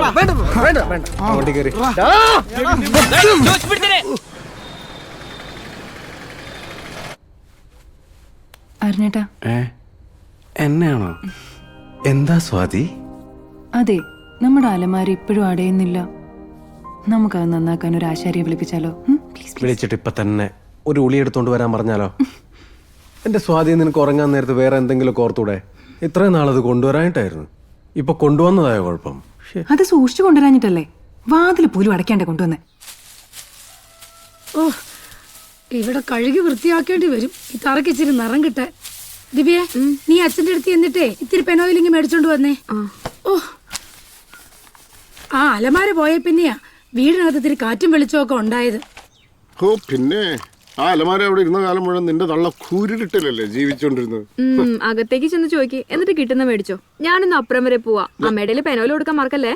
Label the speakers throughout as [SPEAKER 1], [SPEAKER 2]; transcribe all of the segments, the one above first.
[SPEAKER 1] അരുണേട്ടാ,
[SPEAKER 2] എന്നെയാണോ? എന്താ സ്വാതി?
[SPEAKER 1] അതെ, നമ്മുടെ അലമാര ഇപ്പോഴും അടയുന്നില്ല. നമുക്കത് നന്നാക്കാൻ ഒരു ആശാരിയെ വിളിപ്പിച്ചാലോ?
[SPEAKER 2] വിളിച്ചിട്ട് ഇപ്പൊ തന്നെ ഒരു ഉളി എടുത്തോണ്ട് വരാൻ പറഞ്ഞാലോ? എന്റെ സ്വാതി, നിനക്ക് ഉറങ്ങാൻ നേരത്ത് വേറെ എന്തെങ്കിലും ഓർത്തൂടെ? ഇത്രയും നാളത് കൊണ്ടുവരാനായിട്ടായിരുന്നു. ഇപ്പൊ കൊണ്ടുവന്നതായ കുഴപ്പം.
[SPEAKER 1] അത് സൂക്ഷിച്ചു കൊണ്ടുവരാഞ്ഞിട്ടല്ലേ വാതിൽ പോലും അടയ്ക്കാണ്ട് കൊണ്ടുവന്നേ.
[SPEAKER 3] ഓ, ഇവിടെ കഴുകി വൃത്തിയാക്കേണ്ടി വരും ഈ തറയ്ക്ക് ഇച്ചിരി നിറം കിട്ടാൻ. ദിവ്യ, നീ അച്ഛൻ്റെ അടുത്ത് എന്നിട്ടേ ഇത്തിരി പെനോയിലിങ്ങി മേടിച്ചോണ്ട് വന്നേ. ഓ, ആ അലമാര പോയ പിന്നെയാ വീടിനകത്ത് ഇത്തിരി കാറ്റും വെളിച്ചമൊക്കെ ഉണ്ടായത്.
[SPEAKER 4] ഓ പിന്നെ ആ അലമാര അവിടെ ഇരുന്ന കാലം മുഴുവൻ നിന്റെ തള്ള കൂരിട്ടില്ലല്ലേ ജീവിച്ചോണ്ടിരുന്നത്.
[SPEAKER 5] അകത്തേക്ക് ചെന്ന് ചോദിക്ക്, എന്നിട്ട് കിട്ടുന്ന മേടിച്ചോ. ഞാനൊന്ന് അപ്പുറം വരെ പോവാ. അമ്മയുടെ പെനോല് കൊടുക്കാൻ മറക്കല്ലേ.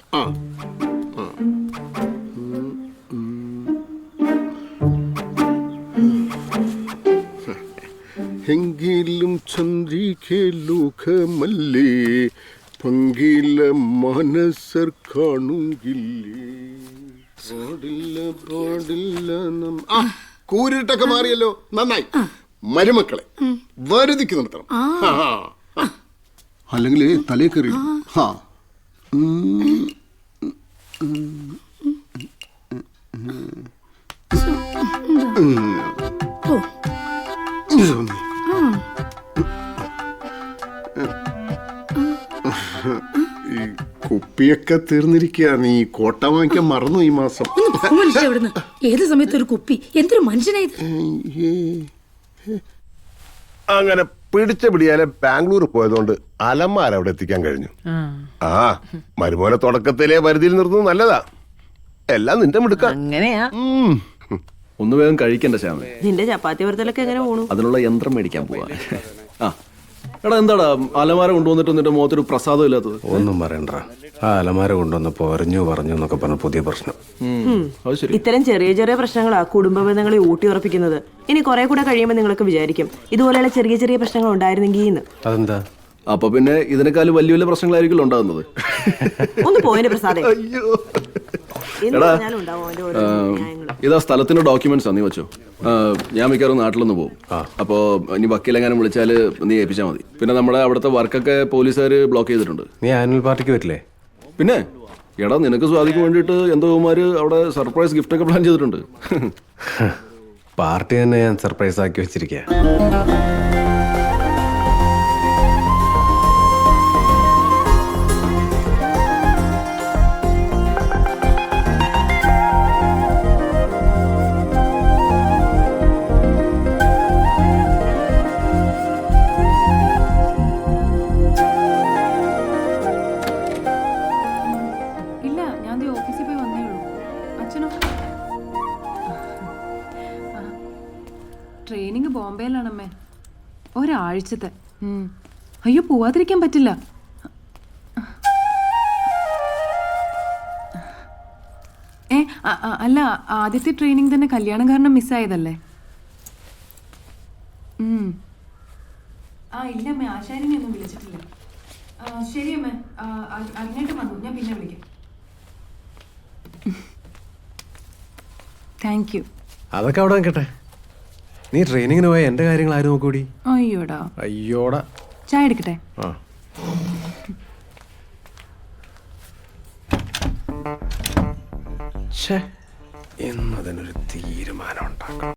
[SPEAKER 4] എങ്കിലും ചന്ദ്രികേ ലോകമല്ലേ പങ്കില മനസ്സർ കാണുകില്ലേ. കൂരിട്ടൊക്കെ മാറിയല്ലോ, നന്നായി. മരുമക്കളെ വരുതിക്ക് നിർത്തണം, അല്ലെങ്കിൽ തലേ കയറി. ഈ കുപ്പിയൊക്കെ തീർന്നിരിക്കുക. നീ കോട്ട വാങ്ങിക്കാൻ മറന്നു ഈ മാസം.
[SPEAKER 3] ഏത് സമയത്ത് ഒരു കുപ്പി, എന്തൊരു മനുഷ്യനായത്.
[SPEAKER 4] അങ്ങനെ പിടിച്ച പിടിയാലെ ബാംഗ്ലൂർ പോയതുകൊണ്ട് അലമാര അവിടെ എത്തിക്കാൻ കഴിഞ്ഞു. ആ മരുമോനെ തുടക്കത്തിലെ പരിധിയിൽ നിർത്തുന്നത് നല്ലതാ. എല്ലാം നിന്റെ മിടുക്ക.
[SPEAKER 6] അങ്ങനെയാ.
[SPEAKER 7] ഒന്ന് വേഗം കഴിക്കണ്ട ശ്യാമേ.
[SPEAKER 6] നിന്റെ ചപ്പാത്തി വറുത്തലൊക്കെ എങ്ങനെ പോണു?
[SPEAKER 7] അതിനുള്ള യന്ത്രം മേടിക്കാൻ പോവാ. ആ എടാ, എന്താടാ അലമാര കൊണ്ടുവന്നിട്ട് നിന്റെ മുഖത്തൊരു പ്രസാദം ഇല്ലാത്തത്?
[SPEAKER 2] ഒന്നും പറയണ്ട. ആ അലമാര കൊണ്ടുവന്നപ്പോ പറഞ്ഞു പറഞ്ഞു എന്നൊക്കെ പറഞ്ഞ പുതിയ പ്രശ്നം.
[SPEAKER 6] ഇത്തരം ചെറിയ ചെറിയ പ്രശ്നങ്ങളാ കുടുംബ ബന്ധങ്ങളെ ഊട്ടി ഉറപ്പിക്കുന്നത്. ഇനി കുറെ കൂടെ കഴിയുമ്പോൾ നിങ്ങൾക്ക് വിചാരിക്കും ഇതുപോലെയുള്ള ചെറിയ ചെറിയ പ്രശ്നങ്ങൾ ഉണ്ടായിരുന്നെങ്കിൽ.
[SPEAKER 2] അതെന്താ?
[SPEAKER 7] അപ്പൊ പിന്നെ ഇതിനേക്കാളും വലിയ വലിയ പ്രശ്നങ്ങളായിരിക്കും ഉണ്ടാകുന്നത്.
[SPEAKER 6] ഒന്ന് പോയിന്റെ പ്രസാദം.
[SPEAKER 7] എടാ, ഇതാ സ്ഥലത്തിന്റെ ഡോക്യുമെന്റ്സ് നീ വെച്ചോ. ഞാൻ മിക്കവാറും നാട്ടിലൊന്ന് പോകും. അപ്പോ ഇനി വക്കീലെങ്ങാനും വിളിച്ചാല് നീ ഏൽപ്പിച്ചാൽ മതി. പിന്നെ നമ്മുടെ അവിടുത്തെ വർക്കൊക്കെ പോലീസുകാര് ബ്ലോക്ക് ചെയ്തിട്ടുണ്ട്.
[SPEAKER 2] നീ ആനുവൽ പാർട്ടിക്ക് വരില്ലേ?
[SPEAKER 7] പിന്നെ എടാ, നിനക്ക് സ്വാധിക്ക് വേണ്ടിയിട്ട് എന്തോമാര് അവിടെ സർപ്രൈസ് ഗിഫ്റ്റ് ഒക്കെ പ്ലാൻ ചെയ്തിട്ടുണ്ട്.
[SPEAKER 2] പാർട്ടി തന്നെ ഞാൻ സർപ്രൈസ് ആക്കി വെച്ചിരിക്കുക.
[SPEAKER 1] ട്രെയിനിങ് ബോംബെയിലാണമ്മേ, ഒരാഴ്ചത്തെ. അയ്യോ, പോവാതിരിക്കാൻ പറ്റില്ല. അല്ല, ആദ്യത്തെ ട്രെയിനിങ് തന്നെ കല്യാണം കാരണം മിസ്സായതല്ലേ? ഇല്ലമ്മേ, ആശാരിനെ ഒന്നും വിളിച്ചിട്ടില്ല. ശരിയമ്മേ, അങ്ങോട്ട് വന്നു, ഞാൻ പിന്നെ വിളിക്കാം. Thank you.
[SPEAKER 2] അതൊക്കെ അവിടെ നിൽക്കട്ടെ. നീ ട്രെയിനിങ്ങിന് പോയ എന്റെ കാര്യങ്ങൾ ആരും നോക്കൂടി?
[SPEAKER 1] അയ്യോടാ. ചായ എടുക്കട്ടെ?
[SPEAKER 2] എന്നതിനൊരു തീരുമാനം ഉണ്ടാക്കണം.